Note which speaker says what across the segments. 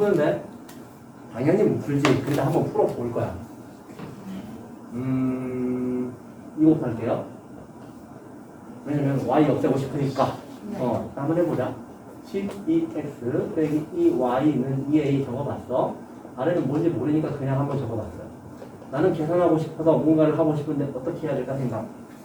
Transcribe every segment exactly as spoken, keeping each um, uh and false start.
Speaker 1: 푸는데? 당연히 못 풀지. 근데 한번 풀어볼 거야. 음, 이거 할게요. 왜냐면 y 없애고 싶으니까.
Speaker 2: 네.
Speaker 1: 어, 한번 해보자. 십이 엑스 빼기 이 와이는 이 에이 적어봤어. 아래는 뭔지 모르니까 그냥 한번 적어봤어요. 나는 계산하고 싶어서 뭔가를 하고 싶은데 어떻게 해야 될까 생각.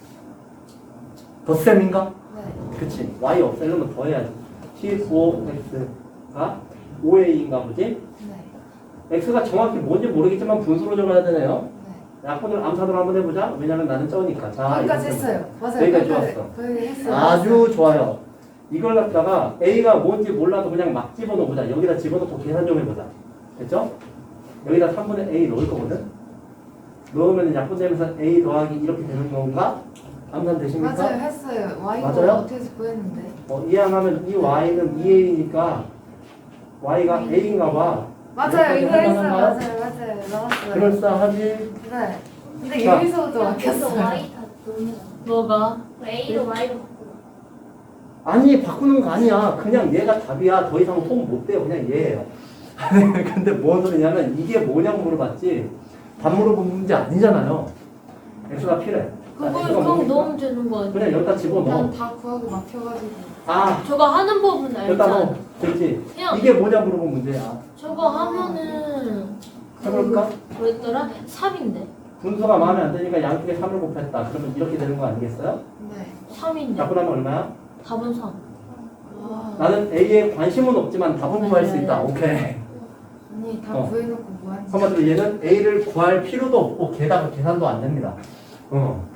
Speaker 1: 덧셈인가?
Speaker 2: 네.
Speaker 1: 그치. y 없애려면 더 해야지. 십오 엑스가 오 에이인가 보지?
Speaker 2: 네.
Speaker 1: x가 정확히 뭔지 모르겠지만 분수로 적어야 되네요.
Speaker 2: 네.
Speaker 1: 약분을 암산으로 한번 해보자. 왜냐면 나는 쩌니까. 자,
Speaker 2: 여기까지
Speaker 1: 이렇게
Speaker 2: 했어요. 맞아요.
Speaker 1: 여기까지
Speaker 2: 거기까지-
Speaker 1: 좋았어.
Speaker 2: 거기 했어요.
Speaker 1: 아주 좋아요. 이걸 갖다가 a가 뭔지 몰라도 그냥 막 집어넣어보자. 여기다 집어넣고 계산 좀 해보자. 됐죠? 여기다 삼분의 a 넣을 거거든? 넣으면 약분되면서 a 더하기 이렇게 되는 건가? 암산 되십니까?
Speaker 2: 맞아요. 했어요. Y가
Speaker 1: 맞아요?
Speaker 2: 어떻게 해서 구했는데.
Speaker 1: 어, 이항하면 이 y는 이 에이니까 y가 a인가 봐.
Speaker 2: 맞아요. 이거
Speaker 1: 이렇게
Speaker 2: 했어요.
Speaker 1: 할만한가요?
Speaker 2: 맞아요. 맞아요. 나왔어요.
Speaker 1: 그럴싸하지?
Speaker 2: 네. 근데
Speaker 1: 자.
Speaker 2: 여기서도 막혔어요.
Speaker 3: Y 다 넣으면
Speaker 4: 뭐가?
Speaker 3: A로 Y로 바꾸라.
Speaker 1: 아니 바꾸는 거 아니야. 그냥 얘가 답이야. 더 이상 속 못 돼요. 그냥 얘예요. 근데 뭔 소리냐면 이게 뭐냐고 물어봤지 답 물어본 문제 아니잖아요. x가 필요해. 자,
Speaker 4: 그걸
Speaker 1: x가
Speaker 4: 그냥
Speaker 1: 뭡니까?
Speaker 4: 넣으면 되는 거 아니야?
Speaker 1: 그냥 여기다 집어넣어.
Speaker 2: 난 다 구하고 막혀가지고.
Speaker 1: 아
Speaker 4: 저거 하는 법은
Speaker 1: 여기다 넣어.
Speaker 4: 알잖아.
Speaker 1: 됐지?
Speaker 4: 그냥
Speaker 1: 이게 뭐냐 물어본 문제야.
Speaker 4: 저거 하면은
Speaker 1: 해볼까?
Speaker 4: 뭐였더라? 삼인데.
Speaker 1: 분수가 마음에 안 드니까 양쪽에 삼을 곱했다. 그러면 이렇게 되는 거 아니겠어요?
Speaker 2: 네.
Speaker 4: 삼인데.
Speaker 1: 약분하면 얼마야?
Speaker 4: 답은 삼.
Speaker 2: 아.
Speaker 1: 나는 A에 관심은 없지만 답은 구할 수 있다. 오케이.
Speaker 2: 아니 다
Speaker 1: 어.
Speaker 2: 구해놓고 뭐하는지.
Speaker 1: 한마디로 얘는 A를 구할 필요도 없고 게다가 계산도 안 됩니다. 어.